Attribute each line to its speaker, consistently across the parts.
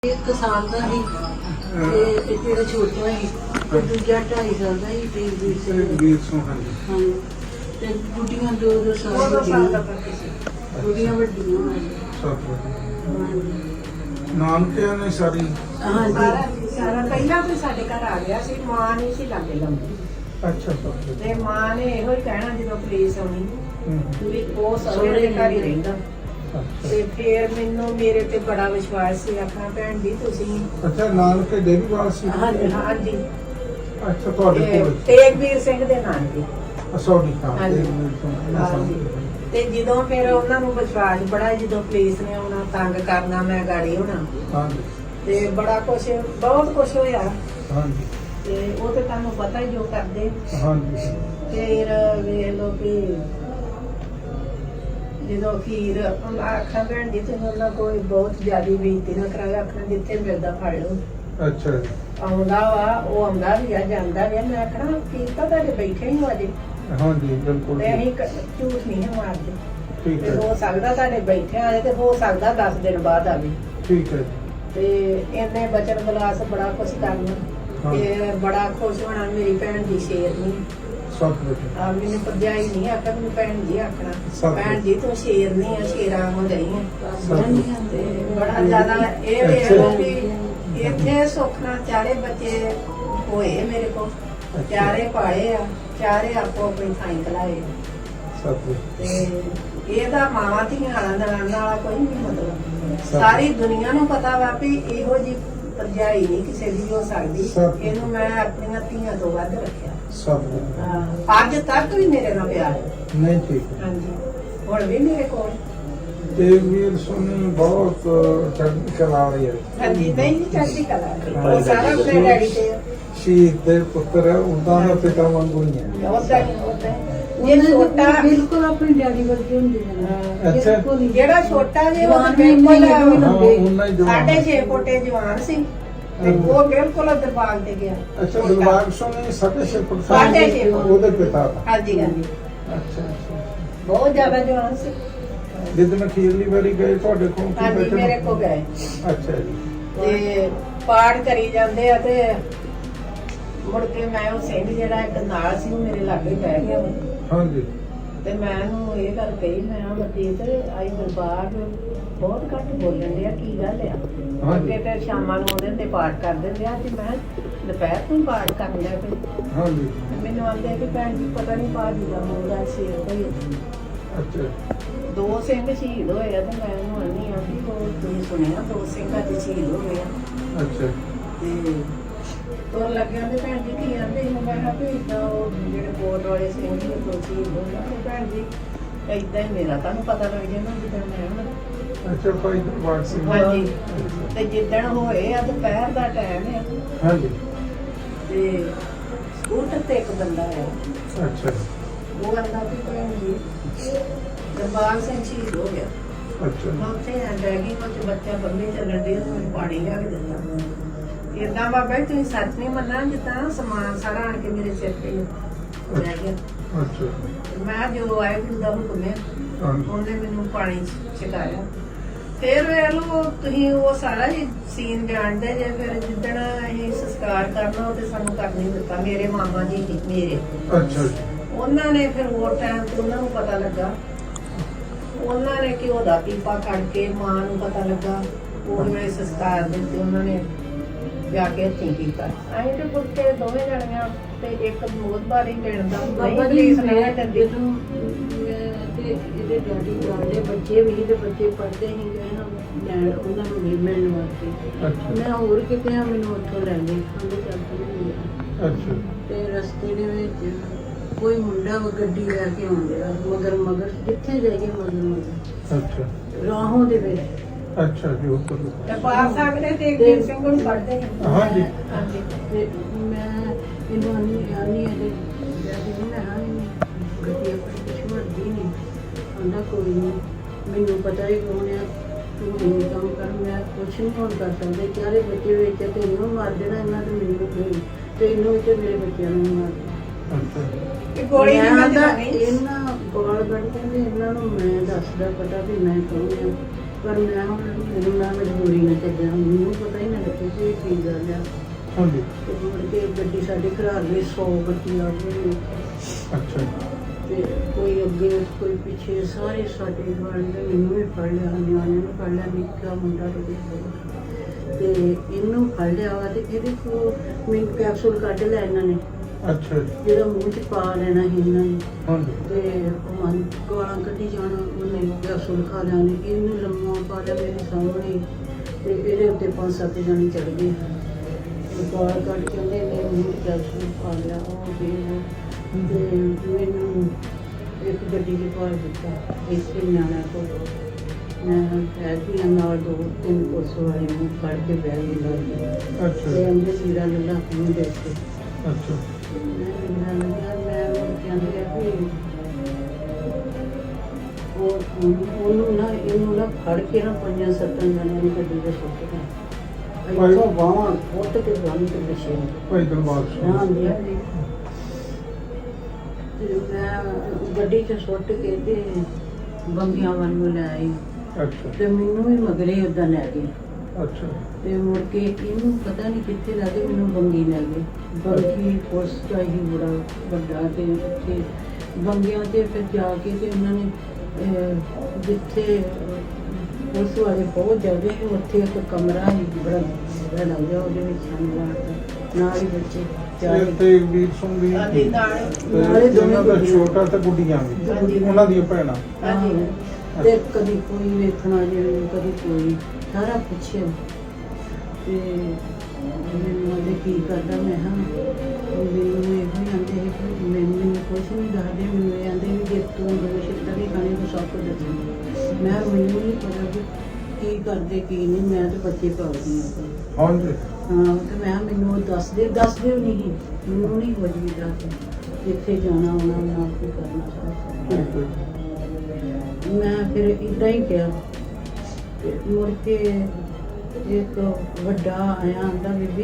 Speaker 1: एक साल का ही तेरा छोटा ही तो दूजा 2.5 साल का ही ते 20 हाँ ते गुड़ियां 2 साल दा गुड़ियां वड्डियां
Speaker 2: ਨਾਨਕਿਆਂ ਨੇ ਸਾਰੀ
Speaker 1: हाँ जी
Speaker 3: ਸਾਰਾ ਪਹਿਲਾਂ ਤੋਂ ਸਾਡੇ ਘਰ ਆ ਗਿਆ ਸੀ। ਮਾਂ ਨਹੀਂ ਸੀ ਲਾਗੇ ਲਾਉਂਦੀ
Speaker 2: ਅੱਛਾ ਸਭ
Speaker 3: ਤੇ ਮਾਂ ਨੇ ਇਹੋ ਹੀ ਕਹਿਣਾ ਜਦੋਂ ਪੁਲਿਸ ਆਉਣੀ ਵੀ ਉਹ ਸਹੁਰੇ ਦੇ ਘਰ ਹੀ ਰਹਿੰਦਾ। ਤੇ ਫਿਰ ਮੈਨੂੰ ਮੇਰੇ ਤੇ ਬੜਾ ਵਿਸ਼ਵਾਸ ਸੀ। ਆਖਾਂ ਭੈਣ ਜੀ ਤੁਸੀਂ
Speaker 2: ਅੱਛਾ ਨਾਨਕੇ ਦੇਵੀਵਾਲ ਸੀ
Speaker 3: ਹਾਂਜੀ ਹਾਂਜੀ
Speaker 2: ਅੱਛਾ ਤੁਹਾਡੇ ਕੋਲ
Speaker 3: ਤੇਗਵੀਰ ਸਿੰਘ ਦੇ ਨਾਂ ਦੀ
Speaker 2: ਸੌਡੀ ਹਾਂ
Speaker 3: ਹਾਂਜੀ। ਤੇ ਜਦੋਂ ਫਿਰ ਉਹਨਾਂ ਨੂੰ ਵਿਸ਼ਵਾਸ ਬੜਾ ਜਦੋਂ ਪੁਲਿਸ ਨੇ ਆਉਣਾ ਤੰਗ ਕਰਨਾ ਮੈਂ ਗਾੜੀ ਹੋਣਾ
Speaker 2: ਹਾਂਜੀ
Speaker 3: ਤੇ ਬੜਾ ਕੁਛ ਬਹੁਤ ਕੁਛ ਹੋਇਆ।
Speaker 2: ਹਾਂਜੀ
Speaker 3: ਤੇ ਉਹ ਤੇ ਤੁਹਾਨੂੰ ਪਤਾ ਹੀ ਜੋ ਕਰਦੇ।
Speaker 2: ਹਾਂਜੀ
Speaker 3: ਫਿਰ ਵੇਖ ਲੋ ਕਿ ਜਦੋਂ ਖੀਰ ਆਖਾਂ ਭੈਣ ਜੀ ਤੁਸੀਂ ਉਹਨਾਂ ਕੋਈ ਬਹੁਤ ਜ਼ਿਆਦਾ ਬੇਇੱਜ਼ਤੀ ਨਾ ਕਰਾਇਆ। ਆਖਾਂ ਜਿੱਥੇ ਮਿਲਦਾ ਫੜ ਲਓ।
Speaker 2: ਅੱਛਾ ਜੀ
Speaker 3: ਆਉਂਦਾ ਵਾ ਉਹ ਆਉਂਦਾ ਵੀ ਆ ਜਾਂਦਾ ਵੀ ਆ। ਮੈਂ ਆਖਣਾ ਕੀ ਤਾਂ ਤੁਹਾਡੇ ਬੈਠੇ ਹੀ ਹੋ ਅਜੇ
Speaker 2: ਹਾਂਜੀ ਬਿਲਕੁਲ
Speaker 3: ਤੇ ਅਸੀਂ ਝੂਠ ਨਹੀਂ ਹੈ ਮਾਰਦੇ।
Speaker 2: ਠੀਕ
Speaker 3: ਤੇ
Speaker 2: ਹੈ
Speaker 3: ਹੋ ਸਕਦਾ ਤੁਹਾਡੇ ਬੈਠੇ ਆਏ ਤੇ ਹੋ ਸਕਦਾ 10 ਦਿਨ ਬਾਅਦ ਆਵੇ।
Speaker 2: ਠੀਕ ਹੈ
Speaker 3: ਤੇ ਇਹਨੇ ਬਚਨ ਬਲਾਸ ਬੜਾ ਕੁਛ ਕਰਨਾ ਤੇ ਬੜਾ ਖੁਸ਼ ਹੋਣਾ। ਮੇਰੀ ਭੈਣ ਦੀ ਸ਼ੇਰਨੀ
Speaker 2: ਸਭ ਬੇਟੇ
Speaker 3: ਆ ਮੈਨੂੰ ਭਰਜਾਈ ਨਹੀਂ ਆਖਿਆ ਮੈਨੂੰ ਭੈਣ ਜੀ ਆਖਣਾ।
Speaker 2: ਸਭ
Speaker 3: ਭੈਣ ਜੀ ਤੂੰ ਸ਼ੇਰਨੀ ਆ ਸ਼ੇਰਾਂ ਹੋ ਗਈ ਹੈ।
Speaker 2: ਸਭ
Speaker 3: ਤੇ ਬੜਾ ਜ਼ਿਆਦਾ ਇਹ ਵੇਖ ਲਓ ਵੀ ਇੱਥੇ ਸੁੱਖ ਨਾਲ ਚਾਰੇ ਬੱਚੇ ਹੋਏ ਮੇਰੇ ਕੋਲ। ਚਾਰੇ ਪਾਏ ਆ ਚਾਰੇ ਆਪੋ ਆਪਣੀ ਥਾਂ ਕਲਾਏ।
Speaker 2: ਸਭ
Speaker 3: ਤੇ ਇਹਦਾ ਮਾਵਾਂ ਧੀਆਂ ਵਾਲਾ ਨਨਾਣ ਵਾਲਾ ਕੋਈ ਨਹੀਂ ਮਤਲਬ। ਸਾਰੀ ਦੁਨੀਆ ਨੂੰ ਪਤਾ ਵਾ ਵੀ ਇਹੋ ਜੀ ਭਰਜਾਈ ਨਹੀਂ ਕਿਸੇ ਦੀ ਹੋ ਸਕਦੀ। ਇਹਨੂੰ ਮੈਂ ਆਪਣੀਆਂ ਧੀਆਂ ਤੋਂ ਵੱਧ ਰੱਖਿਆ।
Speaker 2: ਸਭ
Speaker 3: ਅੱਜ ਤੱਕ ਵੀ ਮੇਰੇ ਨਾਲ ਪਿਆਰ ਹੈ।
Speaker 2: ਨਹੀਂ ਠੀਕ ਹੈ
Speaker 3: ਹਾਂਜੀ ਹੁਣ ਵੀ ਮੇਰੇ ਕੋਲ।
Speaker 2: ਦੇਵੀਰ ਸੁਣੀ ਬਹੁਤ ਚੜ੍ਹਦੀ ਕਲਾ ਵਾਲੀ ਹੈ
Speaker 3: ਹਾਂਜੀ ਨਹੀਂ ਜੀ ਚੜ੍ਹਦੀ ਕਲਾ ਉਹ ਸਾਰਾ ਆਪਣੇ ਡੈਡੀ ਤੇ
Speaker 2: ਸ਼ਹੀਦ ਦੇ ਪੁੱਤਰ ਹੈ ਉਦਾਂ ਦਾ ਪਿਤਾ ਵਾਂਗੂ ਹੀ ਹੈ
Speaker 3: ਉਹਦਾ ਹੀ ਇਹ ਛੋਟਾ
Speaker 1: बिल्कुल अपने डैडी वर्गे होंगे
Speaker 2: अच्छा।
Speaker 3: ਜਿਹੜਾ ਛੋਟਾ ਜੇ ਉਹ
Speaker 1: ਜਵਾਨ
Speaker 3: ਬਿਲਕੁਲ
Speaker 2: ਹਾਂ ਉਹਨਾਂ ਹੀ ਜਵਾਨ
Speaker 3: 6.5 ਫੁੱਟੇ ਜਵਾਨ ਸੀ ਤੇ ਉਹ ਬਿਲਕੁਲ ਦਰਬਾਰ ਤੇ ਗਿਆ।
Speaker 2: ਅੱਛਾ ਦਿਲਬਾਗ ਸੁਣੀ 6.5 ਫੁੱਟ
Speaker 3: ਸਾਢੇ ਛੇ ਫੁੱਟ।
Speaker 2: ਉਹਦੇ ਪਿਤਾ ਦਾ
Speaker 3: ਹਾਂਜੀ ਹਾਂਜੀ
Speaker 2: ਅੱਛਾ ਅੱਛਾ
Speaker 3: ਬਹੁਤ ਜ਼ਿਆਦਾ ਜਵਾਨ ਸੀ।
Speaker 2: ਜਿੱਦਣ ਅਖੀਰਲੀ ਵਾਰੀ ਗਏ ਤੁਹਾਡੇ ਕੋਲ ਕੀ
Speaker 3: ਹਾਂਜੀ ਮੇਰੇ
Speaker 2: ਬੈਠੇ
Speaker 3: ਕੋ ਗਏ
Speaker 2: ਅੱਛਾ ਜੀ
Speaker 3: ਤੇ ਪਾਠ ਕਰੀ ਜਾਂਦੇ ਆ ਤੇ ਮੁੜ ਕੇ ਮੈਂ ਉਹ ਸਿੰਘ ਜਿਹੜਾ ਇੱਕ ਨਾਲ ਸੀ ਉਹ ਮੇਰੇ ਲਾਗੇ ਬਹਿ ਗਿਆ ਵਾ।
Speaker 2: ਹਾਂਜੀ
Speaker 3: ਤੇ ਮੈਂ ਉਹਨੂੰ ਇਹ ਗੱਲ ਕਹੀ ਮੈਂ ਆ ਬਤੀਤ ਆਈ ਦਰਬਾਰ ਬਹੁਤ ਘੱਟ ਬੋਲਣ ਡਿਆ ਕੀ ਗੱਲ ਆ। ਅੱਗੇ ਤੇ ਸ਼ਾਮਾਂ ਨੂੰ ਉਹਦੇ ਤੇ ਪਾਠ ਕਰ ਦਿੰਦੇ ਆ ਤੇ ਮੈਂ ਦੁਪਹਿਰ ਨੂੰ ਪਾਠ ਕਰਨ ਲਿਆ ਤੇ
Speaker 2: ਹਾਂਜੀ
Speaker 3: ਮੈਨੂੰ ਆਂਦੇ ਕਿ ਭੈਣ ਜੀ ਪਤਾ ਨਹੀਂ ਭਾਜੀ ਦਾ ਮੂੰਹ ਸ਼ੇਰ ਕੋਈ
Speaker 2: ਅੱਛਾ
Speaker 3: 2 ਸਿੰਘ ਸ਼ਹੀਦ ਹੋਏ ਆ ਤੇ ਮੈਂ ਉਹਨੂੰ ਆਨੀ ਆ ਵੀ ਉਹ ਤੁਸੀਂ ਸੁਣਿਆ 2 ਸਿੰਘਾਂ ਦੇ ਸ਼ਹੀਦ ਹੋ ਗਏ ਆ।
Speaker 2: ਅੱਛਾ
Speaker 3: ਤੇ ਤੋਰ ਲੱਗਿਆ ਤੇ ਭੈਣ ਜੀ ਕੀ ਆਂਦੇ ਸੀ। ਮੈਂ ਕਿਹਾ ਵੀ ਏਦਾਂ ਉਹ ਜਿਹੜੇ ਕੋਟ ਵਾਲੇ ਸਿੰਘ ਜੀ ਉਹ ਸ਼ਹੀਦ ਹੋ ਗਏ ਤੇ ਭੈਣ ਜੀ ਏਦਾਂ ਹੀ ਮੇਰਾ ਤੁਹਾਨੂੰ ਪਤਾ ਲੱਗ ਜਾਣਾ ਜਿੱਦਾਂ ਮੈਂ ਹੁਣ।
Speaker 2: ਅੱਛਾ ਭਾਈ ਦਿਲਬਾਗ ਸਿੰਘ
Speaker 3: ਹਾਂਜੀ ਤੇ ਜਿੱਦਣ ਹੋਏ ਆ ਦੁਪਹਿਰ ਦਾ ਟਾਈਮ ਆ
Speaker 2: ਹਾਂਜੀ
Speaker 3: ਤੇ ਸਕੂਟਰ ਤੇ ਇੱਕ ਬੰਦਾ ਆਇਆ।
Speaker 2: ਅੱਛਾ
Speaker 3: ਉਹ ਕਹਿੰਦਾ ਵੀ ਭੈਣ ਜੀ ਦਰਬਾਰ ਸਿੰਘ ਸ਼ਹੀਦ ਹੋ ਗਿਆ।
Speaker 2: ਅੱਛਾ
Speaker 3: ਮੈਂ ਉੱਥੇ ਬੈਗੀ ਵਿੱਚ ਬੱਚਾ ਬੰਦੇ ਚੱਲਣ ਦੇ ਮੈਨੂੰ ਪਾਣੀ ਲਿਆ ਕੇ ਦਿੱਤਾ। ਏਦਾਂ ਬਾਬਾ ਜੀ ਤੁਸੀਂ ਸੱਚ ਨਹੀਂ ਮੰਨਣਾ ਜਿੱਦਾਂ ਸਮਾਨ ਸਾਰਾ ਆਣ ਕੇ ਮੇਰੇ ਸਿਰ ਤੇ ਲੈ ਗਿਆ।
Speaker 2: ਅੱਛਾ
Speaker 3: ਮੈਂ ਜਦੋਂ ਆਏ ਗੁਰੂ ਦਾ ਹੁਕਮ ਹੈ
Speaker 2: ਹਾਂਜੀ
Speaker 3: ਉਹਨੇ ਮੈਨੂੰ ਪਾਣੀ ਛਕਾਇਆ। ਫਿਰ ਵੇਖ ਲਓ ਤੁਸੀਂ ਉਹ ਸਾਰਾ ਹੀ ਸੀਨ ਜਾਣਦੇ ਜੇ। ਫਿਰ ਜਿੱਦਣ ਅਸੀਂ ਸੰਸਕਾਰ ਕਰਨਾ ਉਹ ਤੇ ਸਾਨੂੰ ਕਰ ਨਹੀਂ ਦਿੱਤਾ। ਮੇਰੇ ਮਾਮਾ ਜੀ ਸੀ ਮੇਰੇ
Speaker 2: ਅੱਛਾ ਜੀ
Speaker 3: ਉਹਨਾਂ ਨੇ ਫਿਰ ਉਹ ਟਾਈਮ ਤੇ ਉਹਨਾਂ ਨੂੰ ਪਤਾ ਲੱਗਾ। ਉਹਨਾਂ ਨੇ ਘਿਓ ਦਾ ਪੀਪਾ ਕੱਢ ਕੇ ਮਾਂ ਨੂੰ ਪਤਾ ਲੱਗਾ। ਉਹ ਵੇਲੇ ਸੰਸਕਾਰ ਦੇ ਉੱਤੇ ਉਹਨਾਂ ਨੇ ਜਾ ਕੇ ਹੱਥੀਂ ਕੀਤਾ। ਅਸੀਂ ਤੇ ਪੁੱਤੇ ਦੋਵੇਂ ਜਣੀਆਂ ਤੇ ਇੱਕ ਬਹੁਤ ਵਾਰੀ ਲੈਣ ਦਾ
Speaker 1: बाबा जी
Speaker 3: ਪੁਲਿਸ ਨੇ ਦਿੰਦੀ।
Speaker 1: ਇਹਦੇ ਡੈਡੀ ਜਾਂਦੇ ਬੱਚੇ ਵੀ ਤੇ ਬੱਚੇ ਪੜ੍ਹਦੇ ਹੀ ਗਏ ਨਾ ਲੈਣ ਉਹਨਾਂ ਨੂੰ ਨਹੀਂ ਮਿਲਣ ਵਾਸਤੇ।
Speaker 2: ਅੱਛਾ
Speaker 1: ਮੈਂ ਹੋਰ ਕਿਤੇ ਆ ਮੈਨੂੰ ਉੱਥੋਂ ਲੈ ਗਏ ਕਹਿੰਦੇ ਚੱਲ ਤੂੰ ਮਿਲਿਆ।
Speaker 2: ਅੱਛਾ
Speaker 1: ਤੇ ਰਸਤੇ ਦੇ ਵਿੱਚ ਕੋਈ ਮੁੰਡਾ ਗੱਡੀ ਲੈ ਕੇ ਆਉਂਦਾ ਮਗਰ ਜਿੱਥੇ ਜਾਈਏ ਮਗਰ
Speaker 2: ਅੱਛਾ
Speaker 1: ਰਾਹੋਂ ਦੇ ਵਿੱਚ
Speaker 2: ਅੱਛਾ ਜੀ ਉਹ ਤਾਂ
Speaker 3: ਦਰਬਾਰ ਸਾਹਿਬ ਨੇ ਤੇਗਵੀਰ ਸਿੰਘ ਨੂੰ ਪੜ੍ਹਦੇ ਸੀ।
Speaker 2: ਹਾਂਜੀ
Speaker 3: ਹਾਂਜੀ
Speaker 1: ਤੇ ਮੈਂ ਇਹਨੂੰ ਆਨੀ ਇਹਦੇ ਡੈਡੀ ਨੂੰ ਮੈਂ ਹਾਂ ਗੱਡੀ ਆਪਣੀ ਕੁਛ ਮਰਦੀ ਨਹੀਂ ਆਂਦਾ ਕੋਈ ਨਹੀਂ ਮੈਨੂੰ ਪਤਾ ਹੀ ਕੌਣ ਆ ਤੂੰ ਇਹ ਕੰਮ ਕਰ ਮੈਂ ਕੁਛ ਨਹੀਂ ਹੁਣ ਕਰ ਸਕਦੇ ਚਾਰੇ ਬੱਚੇ ਵਿੱਚ ਤੇ ਇਹਨੂੰ ਮਾਰ ਦੇਣਾ ਇਹਨਾਂ ਤੇ ਮੈਨੂੰ ਕੋਈ ਤੇ ਇਹਨੂੰ ਤੇ ਮੇਰੇ ਬੱਚਿਆਂ ਨੂੰ ਮਾਰ ਦੇਣਾ।
Speaker 2: ਅੱਛਾ
Speaker 3: ਇਹ ਗੋਲੀ ਨਹੀਂ
Speaker 1: ਮੈਂ
Speaker 3: ਮੈਂ
Speaker 1: ਤਾਂ
Speaker 3: ਨਹੀਂ
Speaker 1: ਇਹਨਾਂ ਗੋਲ ਕੱਢ ਕੇ ਇਹਨਾਂ ਨੂੰ ਮੈਂ ਦੱਸਦਾ ਪਤਾ ਵੀ ਮੈਂ ਕੌਣ ਆ ਪਰ ਮੈਂ ਹੁਣ ਮੈਨੂੰ ਨਾ ਮਜਬੂਰੀ ਨਾਲ ਚੱਲਿਆ, ਮੈਨੂੰ ਪਤਾ ਹੀ ਨਾ ਲੱਗੇ ਕਿ ਇਹ ਕੀ ਗੱਲ ਆ।
Speaker 2: ਹਾਂਜੀ
Speaker 1: ਤੇ ਮੁੜ ਕੇ ਗੱਡੀ ਸਾਡੇ ਘਰ ਲਈ 100 ਗੱਡੀ ਆ ਗਈ
Speaker 2: ਅੱਛਾ ਜੀ।
Speaker 1: ਤੇ ਕੋਈ ਅੱਗੇ ਕੋਈ ਪਿੱਛੇ ਸਾਰੇ ਸਾਡੇ ਵਾਲੇ ਨੇ ਮੈਨੂੰ ਵੀ ਫੜ ਲਿਆ, ਨਿਆਣੇ ਨੂੰ ਫੜ ਲਿਆ, ਨਿੱਕਾ ਮੁੰਡਾ ਤੇ ਇਹਨੂੰ ਫੜ ਲਿਆ ਵਾ ਤੇ ਇਹਦੇ ਕੋਲ ਮੈਨੂੰ ਕੈਪਸੂਲ ਕੱਢ ਲਿਆ ਇਹਨਾਂ ਨੇ,
Speaker 2: ਅੱਛਾ ਜੀ।
Speaker 1: ਜਿਹੜਾ ਮੂੰਹ 'ਚ ਪਾ ਲੈਣਾ ਸੀ ਇਹਨਾਂ ਨੇ।
Speaker 2: ਹਾਂਜੀ
Speaker 1: ਤੇ ਉਹ ਗਾਲਾਂ ਕੱਢੀ ਜਾਣਾ, ਉਹਨੇ ਕੈਪਸੂਲ ਖਾ ਲਿਆ ਨੇ, ਇਹਨੂੰ ਲੰਮਾ ਪਾ ਲਿਆ ਮੇਰੇ ਸਾਹਮਣੇ ਤੇ ਇਹਦੇ ਉੱਤੇ 5-7 ਜਣੇ ਚੜ ਗਏ। ਗਾਲ ਕੱਢ ਕੇ ਉਹਨੇ ਮੇਰੇ ਮੂੰਹ 'ਚ ਕੈਪਸੂਲ ਪਾ ਲਿਆ, ਉਹ ਤੇ ਮੈਨੂੰ ਇੱਕ ਗੱਡੀ 'ਚ ਪਾ ਦਿੱਤਾ ਇਸੇ ਨਿਆਣਾ ਕੋਲ। ਮੈਂ ਐਸੀ ਨਾਲ 2-3 ਪੁਲਿਸ ਵਾਲੇ ਨੂੰ ਫੜ ਕੇ ਬਹਿ ਗਈ ਲੱਗ
Speaker 2: ਅੱਛਾ
Speaker 1: ਤੇ ਅੰਦਰ ਸੀਰਾ ਲੱਲਾ ਨੂੰ ਦੇਖ ਕੇ
Speaker 2: ਅੱਛਾ
Speaker 1: ਮੈਂ ਕਹਿੰਦੀ ਆ ਵੀ ਉਹਨੂੰ ਨਾ ਇਹਨੂੰ ਨਾ ਫੜ ਕੇ ਨਾ 5-7 ਜਣਿਆਂ ਨੂੰ ਗੱਡੀ ਦੇ ਸੁੱਟਦਾ ਇੱਥੋਂ ਬਾਹਾਂ ਉੱਟ ਕੇ ਬੰਨ ਕੇ ਪਿੱਛੇ ਨੂੰ।
Speaker 2: ਭਾਈ ਦਿਲਬਾਗ ਸਿੰਘ।
Speaker 1: ਹਾਂਜੀ ਹਾਂਜੀ। ਤੇ ਮੈਂ ਗੱਡੀ 'ਚ ਸੁੱਟ ਕੇ ਤੇ ਬੰਗੀਆਂ ਵੱਲ ਨੂੰ ਲੈ ਆਈ
Speaker 2: ਅੱਛਾ
Speaker 1: ਤੇ ਮੈਨੂੰ ਵੀ ਮਗਰੇ ਓਦਾਂ ਲੈ ਗਏ
Speaker 2: ਅੱਛਾ
Speaker 1: ਤੇ ਮੁੜ ਕੇ ਇਹਨੂੰ ਪਤਾ ਨਹੀਂ ਕਿੱਥੇ ਲੈ ਗਏ, ਮੈਨੂੰ ਬੰਗੀ ਲੈ ਗਏ। ਬੰਗੀ ਪੁਲਿਸ ਦਾ ਹੀ ਬੜਾ ਵੱਡਾ ਤੇ ਉੱਥੇ ਬੰਗਿਆਂ ਤੇ ਫਿਰ ਜਾ ਕੇ ਤੇ ਉਹਨਾਂ ਨੇ ਜਿੱਥੇ ਪੁਲਿਸ ਵਾਲੇ ਬਹੁਤ ਜ਼ਿਆਦਾ ਸੀ ਉੱਥੇ ਇੱਕ ਕਮਰਾ ਸੀ ਬੜਾ ਲੱਗ ਗਿਆ, ਉਹਦੇ ਵਿੱਚ ਸਾਨੂੰ ਰਾਤ ਨਾਲ ਹੀ ਬੱਚੇ ਚਾਰ
Speaker 2: ਤੇ ਵੀਰ ਸਿੰਘ ਦੀ
Speaker 3: ਹਾਂਜੀ ਨਾਲੇ
Speaker 2: ਤੇ ਉਹਨਾਂ ਦਾ ਛੋਟਾ ਤੇ ਗੁੱਡੀਆਂ ਵੀ ਉਹਨਾਂ ਦੀਆਂ ਭੈਣਾਂ।
Speaker 1: ਹਾਂਜੀ। ਤੇ ਕਦੀ ਕੋਈ ਵੇਖਣਾ ਜਿਵੇਂ ਕਦੀ ਕੋਈ ਸਾਰਾ ਪੁੱਛਿਆ ਤੇ ਮੈਨੂੰ ਉਹਦੇ ਕੀ ਕਰਦਾ। ਮੈਂ ਹਾਂ ਮੈਨੂੰ ਇਹੋ ਹੀ ਆਂਦੇ ਸੀ ਕਿ ਮੈਨੂੰ ਕੁਛ ਨਹੀਂ ਦੱਸਦੇ, ਮੈਨੂੰ ਇਹ ਆਂਦੇ ਵੀ ਜੇ ਤੂੰ ਦੋਸ਼ ਵੀ ਖਾਣੇ ਤੋਂ ਸਭ ਕੁਝ ਦੱਸਣਾ। ਮੈਂ ਮੈਨੂੰ ਨਹੀਂ ਪਤਾ ਵੀ ਕੀ ਕਰਦੇ ਕੀ ਨਹੀਂ, ਮੈਂ ਤਾਂ ਬੱਚੇ ਪਾਲਦੀ ਹਾਂ।
Speaker 2: ਹਾਂਜੀ
Speaker 1: ਹਾਂ ਤੇ ਮੈਂ ਮੈਨੂੰ ਉਹ ਦੱਸਦੇ ਵੀ ਨਹੀਂ, ਮੈਨੂੰ ਨਹੀਂ ਕੁਝ ਵੀ ਦੱਸਦੇ, ਜਿੱਥੇ ਜਾਣਾ ਆਉਣਾ ਨਾਲ ਕੀ ਕਰਨਾ ਸਾਰਾ।
Speaker 2: ਠੀਕ ਹੈ।
Speaker 1: ਮੈਂ ਫਿਰ ਇੱਦਾਂ ਹੀ ਕਿਹਾ ਤੇ ਮੁੜ ਕੇ ਇੱਕ ਵੱਡਾ ਆਇਆ ਆਂਦਾ ਬੀਬੀ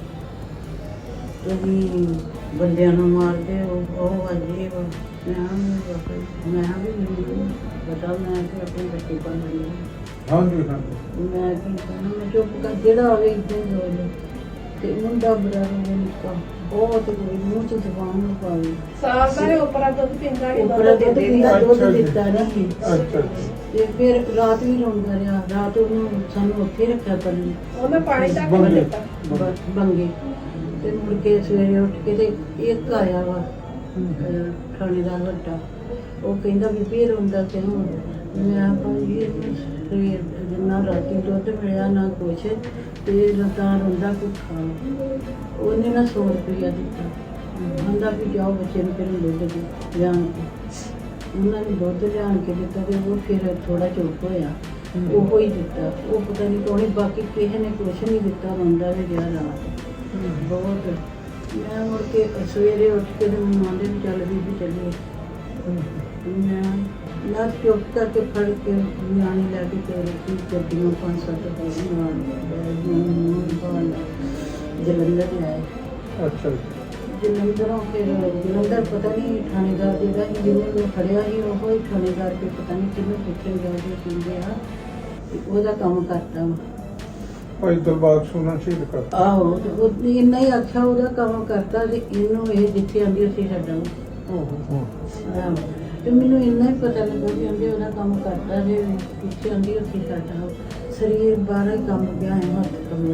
Speaker 1: ਤੁਸੀਂ ਬੰਦਿਆਂ ਨੂੰ ਮਾਰਦੇ ਹੋ, ਉਹ ਅਜੇ ਮੈਂ ਕਿਹਾ ਵੀ ਮੈਨੂੰ ਪਤਾ, ਮੈਂ ਕਿ ਆਪਣੇ ਬੱਚੇ ਪਾਲਣੇ
Speaker 2: ਹਾਂਜੀ ਹਾਂਜੀ
Speaker 1: ਮੈਂ ਕੀ ਕਹਿਣਾ, ਮੈਂ ਚੁੱਪ ਕਰ ਜਿਹੜਾ ਆਵੇ ਇੱਦਾਂ ਹੀ ਹੋ ਜਾਏ। ਤੇ ਮੁੰਡਾ ਬੜਾ ਰੋਣ ਨਿੱਕਾ ਬਹੁਤ ਕੋਈ ਮੂੰਹ 'ਚ ਜ਼ਬਾਨ ਨੂੰ ਪਾਵੇ
Speaker 3: ਸਾਲ ਦਾ ਉਪਰਾ ਦੁੱਧ ਪੀਂਦਾ ਸੀ,
Speaker 1: ਉੱਪਰ ਦੁੱਧ ਪੀਂਦਾ, ਦੁੱਧ
Speaker 2: ਅੱਛਾ ਜੀ।
Speaker 1: ਦਿੱਤਾ ਨਹੀਂ।
Speaker 2: ਅੱਛਾ
Speaker 1: ਤੇ ਫਿਰ ਰਾਤ ਵੀ ਰੋਂਦਾ ਰਿਹਾ, ਰਾਤ ਉਹਨੂੰ ਸਾਨੂੰ ਉੱਥੇ ਰੱਖਿਆ ਪਰਲੀ
Speaker 3: ਉਹਨੇ ਪਾਣੀ ਤੱਕ ਨਹੀਂ ਦਿੱਤਾ।
Speaker 1: ਬੰਗੇ। ਤੇ ਮੁੜ ਕੇ ਸਵੇਰੇ ਉੱਠ ਕੇ ਤੇ ਇੱਕ ਆਇਆ ਵਾ ਥਾਣੇਦਾਰ ਵੱਡਾ, ਉਹ ਕਹਿੰਦਾ ਵੀ ਫੇਰ ਰੋਂਦਾ ਕਿਉਂ? ਮੈਂ ਭਾਈ ਇਹਨੂੰ ਸਵੇਰ ਜਿੰਨਾ ਰਾਤੀ ਦੁੱਧ ਮਿਲਿਆ ਨਾ ਕੁਛ ਤੇ ਤਾਂ ਰੋਂਦਾ ਭੁੱਖਾ। ਉਹਨੇ ਨਾ 100 ਰੁਪਇਆ ਦਿੱਤਾ, ਕਹਿੰਦਾ ਵੀ ਜਾਓ ਬੱਚੇ ਨੂੰ ਫਿਰ ਦੁੱਧ ਦੇ ਲਿਆਣ ਕੇ। ਉਹਨਾਂ ਨੇ ਦੁੱਧ ਲਿਆਣ ਕੇ ਦਿੱਤਾ ਤੇ ਉਹ ਫਿਰ ਥੋੜਾ ਚੁੱਪ ਹੋਇਆ, ਉਹੋ ਹੀ ਦਿੱਤਾ। ਉਹ ਪਤਾ ਨਹੀਂ ਕੌਣੀ, ਬਾਕੀ ਕਿਸੇ ਨੇ ਕੁਛ ਨਹੀਂ ਦਿੱਤਾ, ਰੋਂਦਾ ਵੀ ਰਿਹਾ ਰਾਤ ਬਹੁਤ। ਮੈਂ ਮੁੜ ਕੇ ਸਵੇਰੇ ਉੱਠ ਕੇ ਤੇ ਮੈਨੂੰ ਆਂਦੇ ਵੀ ਚੱਲ ਬੀਬੀ ਚੱਲੀਏ। ਮੈਂ ਚੁੱਪ ਕਰਕੇ ਫੜ ਕੇ ਨਿਆਣੇ ਲੈ ਕੇ ਤੇ ਗੱਡੀਆਂ 5-7 ਜਲੰਧਰ ਲਿਆਏ।
Speaker 2: ਅੱਛਾ
Speaker 1: ਜਲੰਧਰੋਂ ਫਿਰ ਜਲੰਧਰ ਪਤਾ ਨਹੀਂ ਥਾਣੇਦਾਰ ਜਿਹੜਾ ਸੀ ਜਿਹਨੇ ਨੂੰ ਫੜਿਆ ਸੀ, ਉਹ ਹੀ ਥਾਣੇਦਾਰ ਕੇ ਪਤਾ ਨਹੀਂ ਕਿਹਨੂੰ ਪੁੱਛਣ ਗਿਆ ਜੀ ਕਹਿੰਦੇ ਆ ਤੇ ਉਹਦਾ ਕੰਮ ਕਰਦਾ ਵਾ।
Speaker 2: ਭਾਈ ਦਿਲਬਾਗ ਸਿੰਘ ਸ਼ਹੀਦ ਕਰ।
Speaker 1: ਆਹੋ ਤੇ ਉਹ ਇੰਨਾ ਹੀ ਆਖਿਆ ਉਹਦਾ ਕੰਮ ਕਰਦਾ ਤੇ ਇਹਨੂੰ ਇਹ ਜਿੱਥੇ ਆਂਦੀ ਅਸੀਂ ਛੱਡਾਂਗੇ। ਆਹੋ ਤੇ ਮੈਨੂੰ ਇੰਨਾ ਹੀ ਪਤਾ ਲੱਗਾ ਵੀ ਆਂਦੇ ਉਹਦਾ ਕੰਮ ਕਰਦਾ ਜੇ ਪਿੱਛੇ ਆਂਦੀ ਅਸੀਂ ਛੱਡਾਂ। ਸਰੀਰ ਬਾਹਰ ਹੀ ਕੰਮ ਗਿਆ ਹੈ, ਹੱਥ ਕੰਮ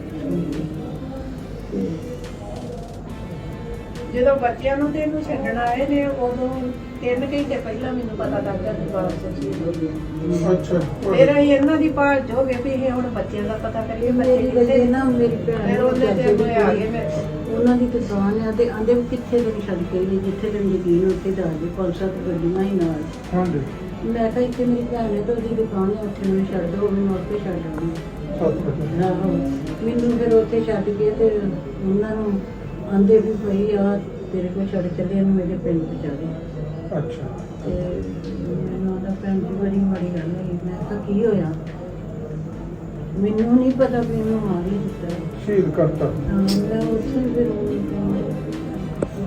Speaker 3: ਜਦੋਂ ਬੱਚਿਆਂ ਨੂੰ ਤੇ ਇਹਨੂੰ ਛੱਡਣ ਆਏ ਨੇ ਉਦੋਂ 3 ਘੰਟੇ ਪਹਿਲਾਂ ਮੈਨੂੰ ਪਤਾ ਲੱਗਾ ਕਿ ਬਾਬਾ ਜੀ ਹੋ ਗਏ।
Speaker 2: ਅੱਛਾ
Speaker 3: ਫਿਰ ਅਸੀਂ ਇਹਨਾਂ ਦੀ ਭਾਲ ਹੋ ਗਏ ਵੀ ਇਹ ਹੁਣ ਬੱਚਿਆਂ ਦਾ ਪਤਾ ਕਰੀਏ, ਬੱਚੇ
Speaker 1: ਮੇਰੀ
Speaker 3: ਕਿੱਥੇ
Speaker 1: ਵਜ੍ਹਾ ਨਾ ਮੇਰੀ ਭੈਣ
Speaker 3: ਫਿਰ ਉਹਨੇ ਤੇ ਅੱਗੇ ਆ ਗਏ ਮੇਰੇ ਕੋਲ।
Speaker 1: ਉਹਨਾਂ ਦੀ ਦੁਕਾਨ ਆ ਤੇ ਆਂਦੇ ਵੀ ਕਿੱਥੇ ਤੱਕ ਛੱਡ ਕੇ ਗਈ, ਜਿੱਥੇ ਤੈਨੂੰ ਯਕੀਨ ਉੱਥੇ ਦੱਸ ਦੇ। 5-7 ਗੱਡੀਆਂ ਹੀ ਨਾਲ।
Speaker 2: ਹਾਂਜੀ
Speaker 1: ਮੈਂ ਕਿਹਾ ਇੱਥੇ ਮੇਰੀ ਭੈਣ ਹੈ ਤੇ ਉਹਦੀ ਦੁਕਾਨ ਹੈ, ਉੱਥੇ ਮੈਨੂੰ ਛੱਡ ਦਿਓ, ਮੈਨੂੰ ਉੱਥੇ ਛੱਡ ਆਉਂਗੀ। ਆਹੋ ਮੈਨੂੰ ਫਿਰ ਉੱਥੇ ਛੱਡ ਕੇ ਤੇ ਉਹਨਾਂ ਨੂੰ ਆਂਦੇ ਵੀ ਭਈ ਆ ਤੇਰੇ ਕੋਲ ਛੱਡ ਚੱਲੇ, ਇਹਨੂੰ ਮੇਰੇ ਪਿੰਡ ਪਹੁੰਚਾ ਦੇ।
Speaker 2: ਅੱਛਾ
Speaker 1: ਤੇ ਮੈਨੂੰ ਉਹਦਾ ਭੈਣ ਜੀ ਬੜੀ ਮਾੜੀ ਗੱਲ ਹੋਈ। ਮੈਂ ਕਿਹਾ ਕੀ ਹੋਇਆ? ਮੈਨੂੰ ਨਹੀਂ ਪਤਾ ਵੀ ਇਹਨੂੰ ਮਾਰ ਹੀ ਦਿੱਤਾ।
Speaker 2: ਸ਼ਹੀਦ ਕਰਤਾ।
Speaker 1: ਹਾਂ ਮੈਂ ਉੱਥੇ ਫਿਰ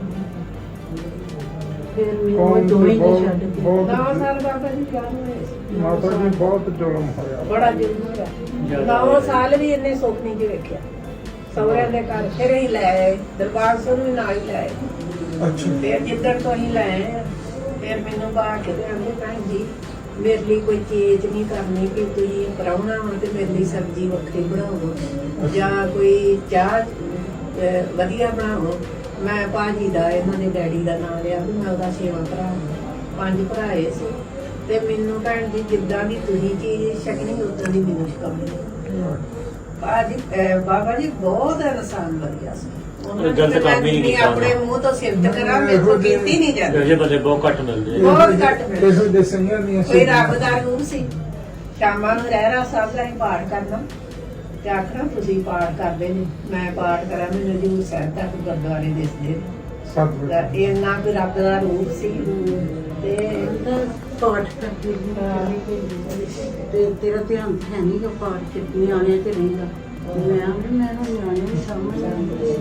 Speaker 1: ਮੈਨੂੰ
Speaker 2: ਕੌਣ
Speaker 1: ਦੋਵੇਂ
Speaker 2: ਬਹੁਤ-
Speaker 1: ਛੱਡ ਕੇ
Speaker 2: ਬਹੁਤ-
Speaker 3: 10 ਸਾਲ ਬਾਬਾ ਜੀ ਵਿਆਹ ਹੋਏ ਸੀ।
Speaker 2: ਮਾਤਾ ਜੀ ਬਹੁਤ ਜ਼ੁਲਮ ਹੋਇਆ।
Speaker 3: ਬੜਾ ਜ਼ਰੂਰ ਹੈ। 9 ਸਾਲ ਵੀ ਇੰਨੇ ਸੁੱਖ ਨਹੀਂ ਜੀ ਵੇਖਿਆ। ਸਹੁਰਿਆਂ ਦੇ ਘਰ ਫਿਰ ਹੀ ਲੈ ਆਏ, ਦਰਬਾਰ ਸਾਹਿਬ ਨੂੰ ਵੀ ਨਾਲ ਹੀ ਲੈ ਆਏ।
Speaker 2: ਅੱਛਾ
Speaker 3: ਫਿਰ ਜਿੱਦਣ ਤੋਂ ਅਸੀਂ ਲੈ ਆਏ ਆ, ਫਿਰ ਮੈਨੂੰ ਬਾਹਰ ਕੇ ਤੇ ਆਂਦੇ ਭੈਣ ਜੀ ਮੇਰੇ ਲਈ ਕੋਈ ਚੀਜ਼ ਨਹੀਂ ਕਰਨੀ ਕਿ ਤੁਸੀਂ ਪ੍ਰਾਹੁਣਾ ਹੋ ਤੇ ਮੇਰੇ ਲਈ ਸਬਜ਼ੀ ਵੱਖਰੀ ਬਣਾਓ ਜਾਂ ਕੋਈ ਚਾਹ ਵਧੀਆ ਬਣਾਓ। ਮੈਂ ਭਾਜੀ ਦਾ ਇਹਨਾਂ ਦੇ ਡੈਡੀ ਦਾ ਨਾਮ ਲਿਆ ਵੀ ਮੈਂ ਉਹਦਾ 6ਵਾਂ ਭਰਾ ਹਾਂ। 5 ਭਰਾਏ ਸੀ ਤੇ ਮੈਨੂੰ ਭੈਣ ਜੀ ਜਿੱਦਾਂ ਦੀ ਤੁਸੀਂ ਚੀਜ਼ ਛਕਣੀ ਉਦਾਂ ਦੀ ਮੈਨੂੰ ਛਕਾਉਣੀ। ਭਾਜੀ ਬਾਬਾ ਜੀ ਬਹੁਤ ਇਨਸਾਨ ਵਧੀਆ ਸੀ।
Speaker 4: ਗਲਤ ਕੰਮ ਹੀ ਨਹੀਂ ਕੀਤਾ
Speaker 3: ਆਪਣੇ ਮੂੰਹ ਤੋਂ ਸਿਫਤ ਕਰਾਂ ਮੇਰੇ ਤੋਂ ਕੀਤੀ ਨਹੀਂ ਜਾਂਦੀ।
Speaker 4: ਇਹੋ ਜਿਹੇ ਬੰਦੇ ਬਹੁਤ ਘੱਟ ਮਿਲਦੇ ਆ।
Speaker 3: ਬਹੁਤ ਘੱਟ ਮਿਲਦੇ।
Speaker 2: ਕਿਸੇ ਦੇ ਸੰਗੀਆਂ ਦੀਆਂ
Speaker 3: ਕੋਈ ਰੱਬ ਦਾ ਰੂਪ ਸੀ। ਸ਼ਾਮਾਂ ਨੂੰ ਰਹਿਰਾ ਸਾਹਿਬ ਦਾ ਹੀ ਪਾਠ ਕਰਨਾ ਤੇ ਆਖਣਾ ਤੁਸੀਂ ਪਾਠ ਕਰਦੇ ਨੇ, ਮੈਂ ਪਾਠ ਕਰਾਂ ਮੈਨੂੰ ਹਜ਼ੂਰ ਸਾਹਿਬ ਤੱਕ ਗੁਰਦੁਆਰੇ ਦਿਸਦੇ
Speaker 2: ਸਤਿ
Speaker 3: ਤਾਂ ਇੰਨਾ ਕੋਈ ਰੱਬ ਦਾ ਰੂਪ ਸੀ। ਤੇ
Speaker 1: ਪਾਠ ਕਰਦੀ ਤੇ ਤੇਰਾ ਧਿਆਨ ਹੈ ਨਹੀਂ ਕਿ ਪਾਠ ਚ ਨਿਆਣੇ ਤੇ ਰਹਿੰਦਾ। ਮੈਂ ਨਾ ਨਿਆਣੇ ਨੂੰ ਸਮਝ ਆਉਂਦੇ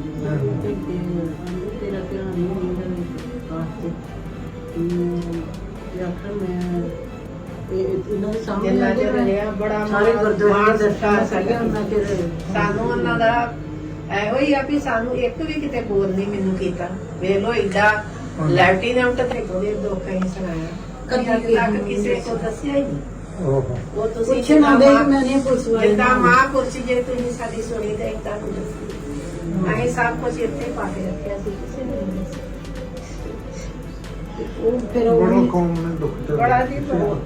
Speaker 1: ਤੇਰਾ ਧਿਆਨ ਨਹੀਂ ਹੁੰਦਾ ਪਾਠ ਤੇ ਆਖਰ ਮੈਂ ਇਹਨਾਂ ਦੇ ਸਾਹਮਣੇ
Speaker 3: ਜਿੰਨਾ ਚਿਰ ਰਿਹਾ ਬੜਾ
Speaker 1: ਸਾਰੇ ਗੁਰਦੁਆਰੇ ਦੇ
Speaker 3: ਸਤਿਕਾਰ
Speaker 1: ਦਰਸ਼ਨ ਉਹਨਾਂ ਚਿਰ
Speaker 3: ਸਾਨੂੰ ਉਹਨਾਂ ਦਾ ਇਹੋ ਹੀ ਆ ਵੀ ਸਾਨੂੰ ਇੱਕ ਵੀ ਕਿਤੇ ਬੋਲ ਨਹੀਂ ਮੈਨੂੰ ਕੀਤਾ। ਵੇਖ ਲੋ ਏਡਾ ਲੈਫਟੀਨੈਂਟ ਤੇ ਕੋਈ ਦੁੱਖ ਹੀ ਸੁਣਾਇਆ ਕਦੀ ਤੱਕ ਕਿਸੇ ਕੋ ਦੱਸਿਆ ਹੀ ਨਹੀਂ।
Speaker 2: ਓਹੋ
Speaker 3: ਉਹ ਤੁਸੀਂ
Speaker 1: ਪੁੱਛਣਾ ਦੇ ਮੈਂ ਨਹੀਂ ਪੁੱਛਵਾਈ
Speaker 3: ਜਿੱਦਾਂ ਮਹਾਂਪੁਰਸ਼ ਜੇ ਤੁਸੀਂ ਸਾਡੀ ਸੁਣੀ ਤੇ ਇਦਾਂ ਕੁਝ ਅਸੀਂ ਸਭ ਕੁਝ ਇੱਥੇ ਪਾ ਕੇ ਰੱਖਿਆ ਸੀ ਕਿਸੇ ਨੇ ਨਹੀਂ ਦੱਸਿਆ।
Speaker 1: ਉਹ ਫਿਰ
Speaker 2: ਬੜਾ
Speaker 1: ਉਹ
Speaker 2: ਕੌਮ ਨੇ ਦੁੱਖ ਚ
Speaker 3: ਬੜਾ ਜੀ, ਬਹੁਤ।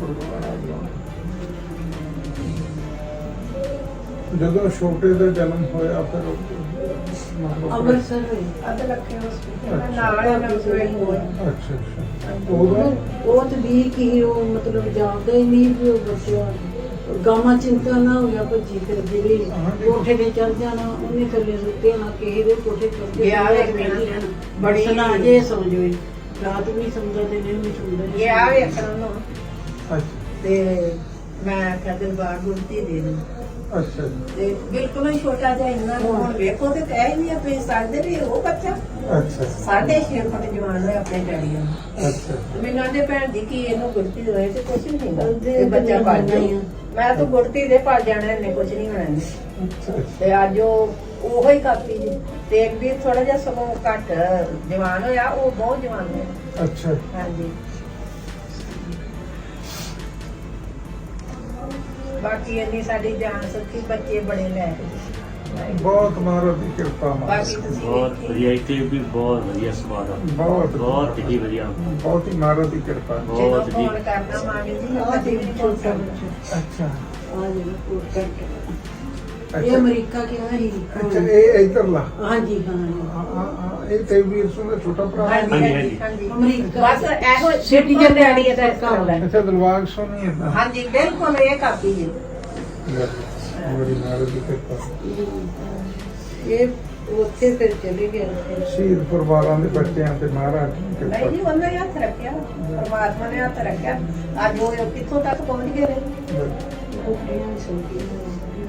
Speaker 2: ਜਦੋਂ ਛੋਟੇ ਦਾ ਜਨਮ ਹੋਇਆ ਫਿਰ
Speaker 1: ਅੰਮ੍ਰਿਤਸਰ ਹੋਈ
Speaker 3: ਅੱਧ ਲੱਖੇ ਹਸਪੀਟਲ ਨਾਲ ਇਹਨਾਂ ਨੂੰ
Speaker 2: ਅੱਛਾ ਅੱਛਾ ਉਹਦਾ
Speaker 1: ਉਹ ਤੇ ਵੀ ਕੀ ਉਹ ਮਤਲਬ ਜਾਣਦਾ ਹੀ ਨਹੀਂ ਵੀ ਉਹ ਬੱਚਾ ਗਾਮਾ ਚਿੰਤਾ ਨਾ ਹੋ ਗਿਆ ਭੱਜੀ ਫਿਰ ਜਿਹੜੀ ਕੋਠੇ ਤੇ ਚੜ ਜਾਣਾ ਉਹਨੇ ਥੱਲੇ ਸੁੱਤੇ ਨਾ ਕਿਸੇ ਦੇ ਕੋਠੇ ਤੇ
Speaker 3: ਗਿਆ ਵੇਖ
Speaker 1: ਬੜੀ
Speaker 3: ਬੜੀ
Speaker 1: ਸੁਣਾ ਜੇ ਸਮਝੋ ਰਾਤ ਵੀ ਸਮਝਦਾ ਤੇ ਨਹੀਂ ਵੀ ਸਮਝਦਾ
Speaker 3: ਇਹ ਆ ਵੇਖਣ ਨੂੰ
Speaker 2: ਅੱਛਾ
Speaker 3: ਤੇ ਮੈਂ ਕਦਰ ਬਾਗ ਗੁਰਤੀ ਦੇ ਨੂੰ
Speaker 2: ਅੱਛਾ
Speaker 3: ਤੇ ਬਿਲਕੁਲ ਹੀ ਛੋਟਾ ਜਿਹਾ ਇੰਨਾ ਕੁ ਹੁਣ ਵੇਖੋ ਤੇ ਕਹਿ ਨਹੀਂ ਆਪੇ ਸਾਡੇ ਵੀ ਉਹ ਬੱਚਾ
Speaker 2: ਅੱਛਾ
Speaker 3: 6.5 ਫੁੱਟ ਜਵਾਨ ਹੋਇਆ ਆਪਣੇ ਡੈਡੀ ਨੂੰ।
Speaker 2: ਅੱਛਾ
Speaker 3: ਮੈਨੂੰ ਆਂਦੇ ਭੈਣ ਜੀ ਕੀ ਇਹਨੂੰ ਗੁੜਤੀ ਹੋਏ ਤੇ ਕੁਛ ਨਹੀਂ ਹੁੰਦਾ ਇਹ ਬੱਚਾ ਪੜ ਜਾਣਾ। ਮੈਂ ਤਾਂ ਗੁੜਤੀ ਦੇ ਪੜ ਜਾਣਾ ਇਹਨੇ ਕੁਛ ਨਹੀਂ ਹੋਣਾ ਇਹਨੂੰ।
Speaker 2: ਅੱਛਾ
Speaker 3: ਤੇ ਅੱਜ ਉਹੋ ਹੀ ਕਾਪੀ ਜੀ ਤੇ ਇੱਕ ਵੀ ਥੋੜਾ ਜਿਹਾ ਸਗੋਂ ਘੱਟ ਜਵਾਨ ਹੋਇਆ ਉਹ ਬਹੁਤ ਜਵਾਨ ਹੋਇਆ।
Speaker 2: ਅੱਛਾ
Speaker 3: ਹਾਂਜੀ ਬਾਕੀ ਇੰਨੀ ਸਾਡੀ ਜਾਨ ਸੱਚੀ ਬੱਚੇ ਬੜੇ ਲੈ
Speaker 2: ਬਹੁਤ ਮਹਾਰਾਜ ਦੀ ਕਿਰਪਾ ਮਾਂ
Speaker 3: ਬਾਕੀ ਤੁਸੀਂ
Speaker 4: ਬਹੁਤ ਵਧੀਆ ਇੱਥੇ ਵੀ ਬਹੁਤ ਵਧੀਆ ਸਵਾਦ ਆ ਬਹੁਤ ਹੀ ਵਧੀਆ
Speaker 2: ਬਹੁਤ ਹੀ ਮਹਾਰਾਜ ਦੀ ਕਿਰਪਾ
Speaker 3: ਜਦੋਂ
Speaker 4: ਬਹੁਤ ਜੀ
Speaker 3: ਫੋਨ ਕਰਨਾ ਮਾਮੀ ਜੀ
Speaker 1: ਆਹ
Speaker 3: ਕਦੇ ਵੀ ਨਹੀਂ ਫੋਨ
Speaker 1: ਛੋਟਾ
Speaker 3: ਕਰਨਾ।
Speaker 1: ਬੱਚਾ
Speaker 2: ਅੱਛਾ
Speaker 1: ਆ ਜਿਹੜਾ ਕੋਟ ਕੱਟ ਇਹ
Speaker 2: ਅੱਛਾ
Speaker 1: ਅਮਰੀਕਾ ਕਿਹਾ ਸੀ
Speaker 2: ਅੱਛਾ ਇਹ ਇਧਰਲਾ
Speaker 1: ਹਾਂਜੀ ਹਾਂ
Speaker 2: ਇਹ ਤੇ ਵੀਰ ਸਿੰਘ ਦਾ ਛੋਟਾ ਭਰਾ ਹੈ।
Speaker 3: ਹਾਂਜੀ ਹਾਂਜੀ ਹਾਂਜੀ
Speaker 1: ਅਮਰੀਕਾ
Speaker 3: ਬਸ ਇਹੋ
Speaker 1: ਸਿਟੀਜ਼ਨ
Speaker 3: ਡੈਡੀ ਇਹਦਾ ਇਸ ਤਰ੍ਹਾਂ ਦਾ।
Speaker 2: ਅੱਛਾ ਦਰਬਾਰ ਸੋਨੀ ਹੈ
Speaker 3: ਹਾਂਜੀ ਬਿਲਕੁਲ ਇਹ ਕਾਪੀ ਜੀ
Speaker 2: ਬੜੀ ਮਹਾਰਾਜ ਦੀ ਕਿਰਪਾ
Speaker 1: ਇਹ ਉੱਥੇ ਫਿਰ ਚਲੇ ਗਏ ਫਿਰ
Speaker 2: ਸ਼ਹੀਦ ਪਰਿਵਾਰਾਂ ਦੇ ਬੱਚਿਆਂ ਤੇ ਮਹਾਰਾਜ ਦੀ
Speaker 3: ਨਹੀਂ ਜੀ
Speaker 2: ਕਿਰਪਾ
Speaker 3: ਉਹਨਾਂ ਨੇ ਹੱਥ ਰੱਖਿਆ ਪਰਮਾਤਮਾ ਨੇ ਹੱਥ ਰੱਖਿਆ ਅੱਜ ਉਹ ਕਿੱਥੋਂ ਤੱਕ ਪਹੁੰਚ ਗਏ ਨੇ।
Speaker 1: ਕੁੜੀਆਂ ਸੌਂਦੀਆਂ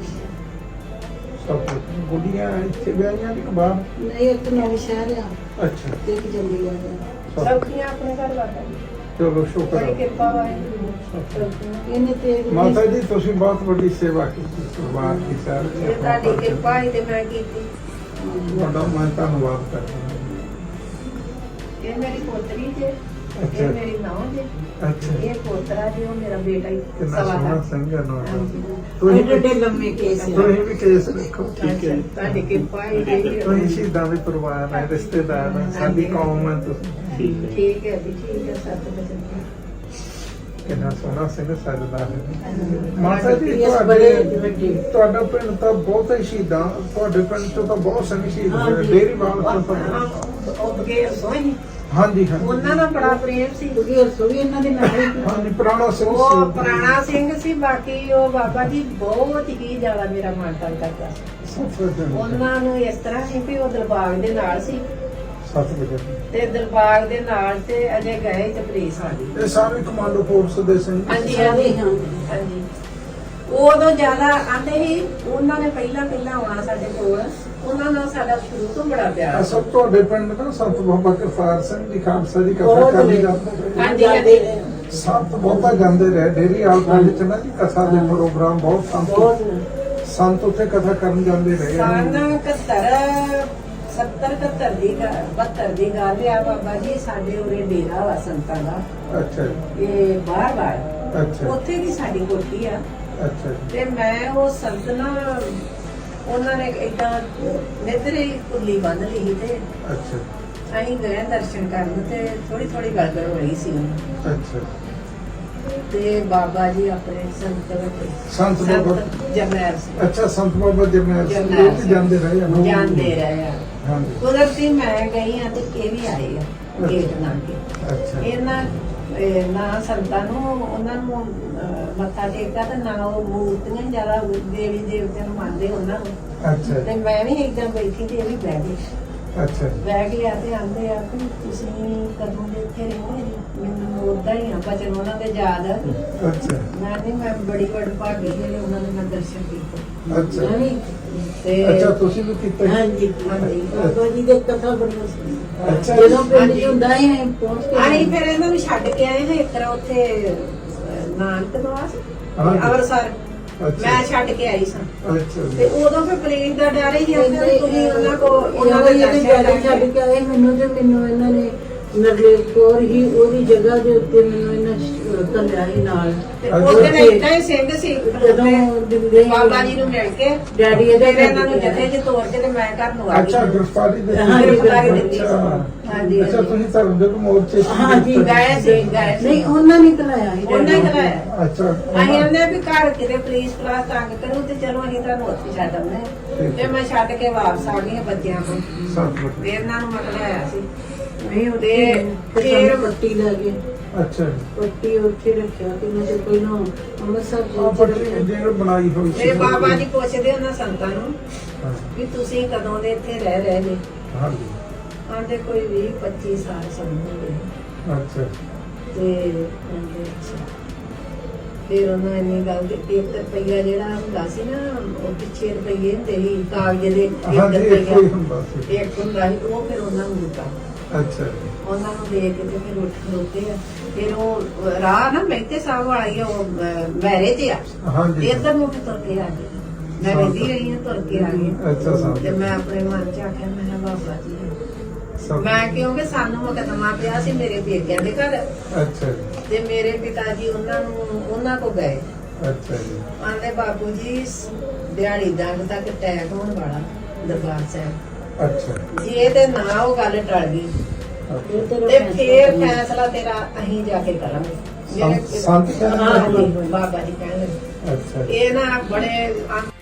Speaker 2: ਸਭ ਗੁੱਡੀਆਂ ਇੱਥੇ ਵਿਆਹੀਆਂ ਦੀ ਬਾਹਰ
Speaker 1: ਨਹੀਂ ਇੱਕ ਨਵਾਂ ਸ਼ਹਿਰ ਆ
Speaker 2: ਅੱਛਾ
Speaker 1: ਤੇ ਇੱਕ ਚੰਡੀਗੜ੍ਹ ਆ
Speaker 3: ਸੌਖੀਆਂ ਆਪਣੇ ਘਰ ਵਾਲਾ
Speaker 2: ਚਲੋ ਸ਼ੁਕਰ
Speaker 3: ਬੜੀ
Speaker 2: ਹੈ
Speaker 3: ਕਿਰਪਾ ਵਾਹਿਗੁਰੂ
Speaker 1: ਇਹਨੇ ਤੇ
Speaker 2: ਮਾਤਾ ਜੀ ਤੁਸੀਂ ਬਹੁਤ ਵੱਡੀ ਸੇਵਾ ਕੀਤੀ ਪਰਿਵਾਰ ਦੀ
Speaker 3: ਇਹ
Speaker 2: ਸਾਰੇ
Speaker 3: ਤੁਹਾਡੀ ਕਿਰਪਾ ਹੀ ਤੇ ਮੈਂ ਕੀਤੀ।
Speaker 2: ਤੁਹਾਡਾ ਮੈਂ ਧੰਨਵਾਦ ਕਰਦਾ
Speaker 3: ਇਹ ਮੇਰੀ ਪੋਤਰੀ ਜੇ
Speaker 2: ਅੱਛਾ।
Speaker 3: ਇਹ ਮੇਰੀ ਨੌਂ ਜੇ
Speaker 2: ਅੱਛਾ
Speaker 3: ਇਹ ਪੋਤਰਾ ਜੀ ਉਹ ਮੇਰਾ ਬੇਟਾ ਹੀ
Speaker 2: ਕਿੰਨਾ
Speaker 3: ਸਵਾ
Speaker 2: ਸੋਹਣਾ
Speaker 3: ਦਾ।
Speaker 2: ਸੰਗਨ ਹੋਇਆ
Speaker 3: ਹਾਂਜੀ
Speaker 2: ਤੁਸੀਂ
Speaker 1: ਐਡੇ ਲੰਮੇ ਕੇਸ ਆ
Speaker 2: ਤੁਸੀਂ ਵੀ ਕੇਸ ਰੱਖੋ
Speaker 4: ਠੀਕ ਹੈ।
Speaker 3: ਤੁਹਾਡੀ ਕਿਰਪਾ ਹੀ ਰਹੀ
Speaker 2: ਤੁਸੀਂ ਸ਼ਹੀਦਾਂ ਦੇ ਪਰਿਵਾਰ ਹੈ ਰਿਸ਼ਤੇਦਾਰ ਹੈ ਸਾਡੀ ਕੌਮ ਹੈ ਤੁਸੀਂ
Speaker 4: ਠੀਕ ਹੈ
Speaker 3: ਠੀਕ ਹੈ ਜੀ ਠੀਕ ਹੈ ਸੱਤ ਬਚਨ
Speaker 2: ਕਿੰਨਾ ਸੋਹਣਾ ਸਿੰਘ ਸਜਦਾ ਹੈ
Speaker 3: ਹਾਂਜੀ।
Speaker 2: ਮਾਤਾ ਜੀ
Speaker 1: ਇਸ ਬੜੇ
Speaker 2: ਤੁਹਾਡੇ
Speaker 1: ਵੱਡੇ
Speaker 2: ਤੁਹਾਡਾ ਪਿੰਡ ਤਾਂ ਬਹੁਤ ਹੀ ਸ਼ਹੀਦਾਂ ਤੁਹਾਡੇ ਪਿੰਡ ਤੋਂ ਤਾਂ ਬਹੁਤ ਸਿੰਘ ਸ਼ਹੀਦ ਹੋਏ
Speaker 1: ਹਾਂਜੀ।
Speaker 2: ਡੇਰੀ ਵਾਲ ਤੋਂ ਤਾਂ
Speaker 3: ਉਹ ਬਗੈਰ ਸੋਹਣੀ
Speaker 2: ਹਾਂਜੀ ਹਾਂਜੀ
Speaker 3: ਉਹਨਾਂ ਨਾਲ ਬੜਾ ਪ੍ਰੇਮ ਸੀ।
Speaker 1: ਕਿਉਂਕਿ ਰਸੋਈ ਇਹਨਾਂ ਦੇ ਨਾਲ ਹੀ
Speaker 2: ਹਾਂਜੀ ਪੁਰਾਣਾ ਸਿੰਘ
Speaker 3: ਉਹ
Speaker 2: ਸੀ।
Speaker 3: ਪੁਰਾਣਾ ਸਿੰਘ ਸੀ ਬਾਕੀ ਉਹ ਬਾਬਾ ਜੀ ਬਹੁਤ ਹੀ ਜ਼ਿਆਦਾ ਮੇਰਾ ਮਾਣ ਤਾਣ ਕਰਦਾ ਸੀ।
Speaker 2: ਸੱਤ ਵਜੇ
Speaker 3: ਉਹਨਾਂ ਨੂੰ ਇਸ ਤਰ੍ਹਾਂ ਸੀ ਵੀ ਉਹ ਦਿਲਬਾਗ ਦੇ ਨਾਲ ਸੀ
Speaker 2: 7 ਵਜੇ
Speaker 3: ਤੇ ਦਿਲਬਾਗ ਦੇ ਨਾਲ ਤੇ ਅਜੇ ਗਏ ਤੇ ਪੁਲਿਸ ਆ ਗਈ।
Speaker 2: ਇਹ ਸਾਰੇ ਕਮਾਂਡੋ ਫੋਰਸ ਦੇ ਸਿੰਘ
Speaker 3: ਹਾਂਜੀ
Speaker 1: ਸਾਰੇ
Speaker 3: ਹਾਂਜੀ
Speaker 1: ਹਾਂ
Speaker 3: ਹਾਂਜੀ ਉਦੋਂ ਜ਼ਿਆਦਾ ਆਂਦੇ ਸੀ ਉਹਨਾਂ ਨੇ ਪਹਿਲਾਂ ਆਉਣਾ ਸਾਡੇ ਕੋਲ ਉਹਨਾਂ ਨਾਲ ਸਾਡਾ ਸ਼ੁਰੂ ਤੋਂ ਬੜਾ ਪਿਆਰ ਸੀ।
Speaker 2: ਅਸਲ ਤੁਹਾਡੇ ਪਿੰਡ ਦਾ ਸੰਤ ਬਾਬਾ ਕਰਤਾਰ ਸਿੰਘ ਜੀ ਖਾਲਸਾ ਜੀ ਕਥਾ
Speaker 1: ਬਹੁਤ
Speaker 2: ਕਰਨੀ
Speaker 1: ਨੇ।
Speaker 2: ਜਾਂਦੇ
Speaker 3: ਹਾਂਜੀ ਹਾਂਜੀ
Speaker 2: ਸੰਤ ਬਹੁਤਾ ਜਾਂਦੇ ਰਹੇ ਡੇਰੀ ਵਾਲ ਪਿੰਡ ਚ ਨਾ ਜੀ ਕਥਾ ਦੇ ਪ੍ਰੋਗਰਾਮ ਬਹੁਤ
Speaker 1: ਬਹੁਤ
Speaker 2: ਸੰਤ ਉੱਥੇ ਕਥਾ ਕਰਨ ਜਾਂਦੇ ਰਹੇ
Speaker 3: ਸਨ 71 ਦੀ 72 ਦੀ ਗੱਲ ਆ ਬਾਬਾ ਜੀ ਸਾਡੇ ਉਰੇ ਡੇਰਾ ਵਾ ਸੰਤਾਂ ਦਾ
Speaker 2: ਅੱਛਾ ਜੀ,
Speaker 3: ਇਹ ਬਾਹਰ
Speaker 2: ਅੱਛਾ
Speaker 3: ਉੱਥੇ ਦੀ ਸਾਡੀ ਕੋਠੀ ਆ
Speaker 2: ਅੱਛਾ ਜੀ,
Speaker 3: ਤੇ ਮੈਂ ਉਹ ਸੰਤ ਨਾ ਉਹਨਾਂ ਨੇ ਏਦਾਂ ਨਿੱਧਰੇ ਕੁੱਲੀ ਬੰਨ ਲਈ ਤੇ
Speaker 2: ਅੱਛਾ
Speaker 3: ਅਸੀਂ ਗਏ ਦਰਸ਼ਨ ਕਰਨ ਤੇ ਥੋੜੀ ਥੋੜੀ ਗੜਬੜ ਹੋਈ ਸੀ ਉਹਨੂੰ।
Speaker 2: ਅੱਛਾ
Speaker 3: ਤੇ ਬਾਬਾ ਜੀ ਆਪਣੇ ਸੰਤ
Speaker 2: ਸੰਤ ਬਾਬਾ
Speaker 3: ਜਰਨੈਲ ਸਿੰਘ
Speaker 2: ਅੱਛਾ ਸੰਤ ਬਾਬਾ ਜਰਨੈਲ ਸਿੰਘ
Speaker 3: ਜਰਨੈਲ
Speaker 2: ਉਹ ਵੀ ਜਾਂਦੇ ਰਹੇ ਆ ਨਾ?
Speaker 3: ਜਾਂਦੇ ਰਹੇ ਆ।
Speaker 2: ਹਾਂਜੀ
Speaker 3: ਕੁਦਰਤੀ ਮੈਂ ਗਈ ਆ ਤੇ ਇਹ ਵੀ ਆਏ ਆ ਗੇਟ ਨਾਲ ਕੇ
Speaker 2: ਅੱਛਾ
Speaker 3: ਇਹਨਾਂ ਨਾ ਸੰਤਾਂ ਨੂੰ ਉਹਨਾਂ ਨੂੰ ਮੱਥਾ ਟੇਕਦਾ ਤੇ ਨਾ ਉਹ ਮੂਰਤੀਆਂ ਜ਼ਿਆਦਾ ਦੇਵੀ ਦੇਵਤਿਆਂ ਨੂੰ ਮੰਨਦੇ ਉਹਨਾਂ ਨੂੰ।
Speaker 2: ਅੱਛਾ
Speaker 3: ਤੇ ਮੈਂ ਵੀ ਇੱਕਦਮ ਬੈਠੀ ਤੇ ਇਹ ਵੀ ਬਹਿ ਗਈ
Speaker 2: ਅੱਛਾ
Speaker 3: ਬਹਿ ਗਿਆ ਤੇ ਆਂਦੇ ਆ ਕਿ ਤੁਸੀਂ ਕਦੋਂ ਦੇ ਇੱਥੇ ਰਹਿੰਦੇ ਜੀ ਮੈਨੂੰ ਉਦਾਂ ਹੀ ਆ ਬਚਨ ਉਹਨਾਂ ਦੇ ਯਾਦ
Speaker 2: ਅੱਛਾ
Speaker 3: ਮੈਂ ਬੜੀ ਭਾਗੀ ਜਿਹੜੇ ਉਹਨਾਂ ਦੇ ਮੈਂ ਦਰਸ਼ਨ ਕੀਤੇ
Speaker 2: ਅੱਛਾ
Speaker 1: ਮੈਂ ਵੀ
Speaker 3: ਤੇ
Speaker 2: ਅੱਛਾ ਤੁਸੀਂ ਵੀ ਕੀਤਾ
Speaker 1: ਹਾਂਜੀ
Speaker 3: ਹਾਂਜੀ।
Speaker 1: ਬਾਬਾ ਜੀ ਦੇ ਕਥਾ ਬੜੀ ਸੀ
Speaker 2: ਅੱਛਾ
Speaker 1: ਜਦੋਂ ਪਿੰਡ ਚ ਹੁੰਦਾ ਹੈ ਪਹੁੰਚ ਕੇ
Speaker 3: ਆਈ ਫਿਰ ਇਹਨਾਂ ਨੂੰ ਛੱਡ ਕੇ ਆਏ ਹਾਂ ਇੱਕ ਤਰ੍ਹਾਂ ਉੱਥੇ ਨਾਨਕ ਦਵਾਸ
Speaker 2: ਹਾਂਜੀ।
Speaker 3: ਅੰਮ੍ਰਿਤਸਰ
Speaker 2: ਅੱਛਾ
Speaker 3: ਮੈਂ ਛੱਡ ਕੇ ਆਈ ਸਾਂ
Speaker 2: ਅੱਛਾ
Speaker 3: ਤੇ
Speaker 2: ਜੀ,
Speaker 3: ਉਦੋਂ ਫਿਰ ਪੁਲਿਸ ਦਾ ਡਰ ਹੀ ਜਾਂਦਾ ਵੀ ਤੁਸੀਂ ਉਹਨਾਂ ਕੋ ਉਹਨਾਂ
Speaker 1: ਉਹਨਾਂ
Speaker 3: ਦਾ
Speaker 1: ਦੇ
Speaker 3: ਦਰਸ਼ਨ
Speaker 1: ਡੈਡੀ ਛੱਡ
Speaker 3: ਕਰਕੇ
Speaker 1: ਕੇ ਆਏ ਮੈਨੂੰ ਤੇ ਮੈਨੂੰ ਇਹਨਾਂ ਨੇ ਨਰਲੇਪ ਕੌਰ ਹੀ ਉਹਦੀ ਜਗ੍ਹਾ ਦੇ ਉੱਤੇ ਮੈਨੂੰ ਇਹਨਾਂ ਘੱਲਿਆ ਸੀ ਨਾਲ
Speaker 3: ਤੇ ਉਹਦੇ ਨਾਲ ਏਦਾਂ ਹੀ ਸਿੰਘ ਸੀ
Speaker 1: ਜਦੋਂ ਦਿੰਦੇ
Speaker 3: ਬਾਬਾ ਜੀ ਨੂੰ ਮਿਲ ਕੇ
Speaker 1: ਡੈਡੀ ਇਹਦੇ
Speaker 3: ਫਿਰ ਇਹਨਾਂ ਨੂੰ ਜਥੇ ਚ ਤੋੜ ਕੇ ਤੇ ਮੈਂ ਘਰ ਨੂੰ ਆ
Speaker 2: ਅੱਛਾ
Speaker 3: ਗਈ
Speaker 2: ਗ੍ਰਿਫਤਾਰੀ ਦੇ
Speaker 1: ਹਾਂਜੀ,
Speaker 3: ਗ੍ਰਿਫਤਾਰੀ ਦਿੱਤੀ ਸੀ।
Speaker 2: ਅੱਛਾ
Speaker 3: ਹਾਂਜੀ,
Speaker 2: ਅੱਛਾ
Speaker 3: ਹਾਂਜੀ।
Speaker 2: ਤੁਸੀਂ ਧਰਮ ਦੇ ਮੋਰਚੇ 'ਚ
Speaker 1: ਹਾਂਜੀ
Speaker 3: ਗਏ ਸੀ ਗਏ ਸੀ
Speaker 1: ਨਹੀਂ ਉਹਨਾਂ ਨੇ ਕਲਾਇਆ ਸੀ
Speaker 3: ਉਹਨਾਂ ਹੀ
Speaker 1: ਡੈਡੀ।
Speaker 3: ਕਰਾਇਆ
Speaker 2: ਅੱਛਾ
Speaker 3: ਅਸੀਂ ਆਂਦੇ ਵੀ ਘਰ ਕਿਤੇ ਪੁਲਿਸ ਪਲਾਸ ਤੰਗ ਕਰੂ ਤੇ ਚਲੋ ਅਸੀਂ ਤੁਹਾਨੂੰ ਉੱਥੇ ਛੱਡ ਆਉਂਦੇ ਹਾਂ। ਤੇ ਮੈਂ ਛੱਡ ਕੇ ਵਾਪਸ ਆ ਗਈ ਹਾਂ ਬੱਚਿਆਂ ਕੋਲ
Speaker 2: ਸੰਤ
Speaker 3: ਫਿਰ ਇਹਨਾਂ ਨੂੰ ਮੈਂ ਕਢਾਇਆ ਸੀ
Speaker 1: ਨਹੀਂ ਉਹਦੇ
Speaker 3: ਫਿਰ
Speaker 1: ਫਿਰ ਪੱਟੀ ਲੈ ਗਏ
Speaker 2: ਅੱਛਾ ਜੀ,
Speaker 1: ਪੱਟੀ ਉੱਥੇ ਰੱਖਿਆ ਕਿ ਮੈਂ ਤੇ ਪਹਿਲਾਂ ਅੰਮ੍ਰਿਤਸਰ
Speaker 2: ਆਹ ਪੱਟੀ ਜਿਹੜੀ ਬਣਾਈ ਹੋਈ
Speaker 3: ਮੇਰੇ ਬਾਬਾ ਜੀ ਪੁੱਛਦੇ ਉਹਨਾਂ ਸੰਤਾਂ ਨੂੰ
Speaker 2: ਹਾਂ,
Speaker 3: ਵੀ ਤੁਸੀਂ ਕਦੋਂ ਦੇ ਇੱਥੇ ਰਹਿ ਰਹੇ ਨੇ
Speaker 2: ਹਾਂਜੀ
Speaker 3: ਆਂਦੇ ਕੋਈ 20-25 ਸਾਲ ਸਮਝਦੇ
Speaker 2: ਅੱਛਾ
Speaker 3: ਤੇ ਆਂਦੇ ਅੱਛਾ ਫਿਰ ਉਹਨਾਂ ਇੰਨੀ ਗੱਲ ਦੀ 1 ਰੁਪਈਆ ਜਿਹੜਾ ਹੁੰਦਾ ਸੀ ਨਾ ਉਹ ਪਿੱਛੇ ਰੁਪਈਏ ਹੁੰਦੇ ਸੀ ਕਾਗਜ਼ ਦੇ 1
Speaker 2: ਹਾਂਜੀ ਇੱਕ
Speaker 3: ਰੁਪਈਆ
Speaker 2: ਹੀ ਹੁੰਦਾ ਸੀ
Speaker 3: ਇੱਕ ਹੁੰਦਾ ਸੀ ਉਹ ਫਿਰ ਉਹਨਾਂ ਨੂੰ ਦਿੱਤਾ
Speaker 2: ਅੱਛਾ ਜੀ,
Speaker 3: ਉਹਨਾਂ ਨੂੰ ਦੇ ਕੇ ਤੇ ਫਿਰ ਉੱਠ ਖਲੋਤੇ ਆ ਫਿਰ ਉਹ ਰਾਹ ਨਾ ਮਹਿਤੇ ਸਾਹਿਬ ਵਾਲਾ ਹੀ ਆ, ਉਹ ਮੈਰੇ ਤੇ ਆ
Speaker 2: ਹਾਂਜੀ
Speaker 3: ਇੱਧਰ ਨੂੰ ਵੀ ਤੁਰ ਕੇ ਆ ਗਈ ਮੈਂ ਰਹਿੰਦੀ ਰਹੀ ਹਾਂ ਤੁਰ ਕੇ ਆ ਗਈ
Speaker 2: ਅੱਛਾ ਸਾਹਿਬ
Speaker 3: ਤੇ ਮੈਂ ਆਪਣੇ ਮਨ ਚ ਆਖਿਆ ਮੈਂ ਕਿਹਾ ਬਾਬਾ ਜੀ
Speaker 2: ਸਭ
Speaker 3: ਮੈਂ ਕਿਉਂਕਿ ਸਾਨੂੰ ਮੁਕੱਦਮਾ ਪਿਆ ਸੀ ਮੇਰੇ ਪੇਕਿਆਂ ਦੇ ਘਰ
Speaker 2: ਅੱਛਾ ਜੀ,
Speaker 3: ਤੇ ਮੇਰੇ ਪਿਤਾ ਜੀ ਉਹਨਾਂ ਕੋ ਗਏ
Speaker 2: ਅੱਛਾ ਜੀ,
Speaker 3: ਆਂਦੇ ਬਾਬੂ ਜੀ ਦਿਹਾੜੀ ਦੰਗ ਤੱਕ ਅਟੈਕ ਹੋਣ ਵਾਲਾ ਦਰਬਾਰ ਸਾਹਿਬ
Speaker 2: ਅੱਛਾ
Speaker 3: ਜੇ ਤੇ ਨਾ ਉਹ ਗੱਲ ਟਲ ਗਈ
Speaker 2: ਅੱਛਾ।
Speaker 3: ਤੇ ਫੇਰ ਫੈਸਲਾ ਤੇਰਾ ਅਸੀਂ ਜਾ ਕੇ ਕਰਾਂਗੇ
Speaker 2: ਸੰਤ ਕਹਿੰਦੇ
Speaker 3: ਹਾਂ, ਬਾਬਾ ਜੀ ਕਹਿੰਦੇ
Speaker 2: ਅੱਛਾ ਜੀ।
Speaker 3: ਇਹ ਨਾ ਬੜੇ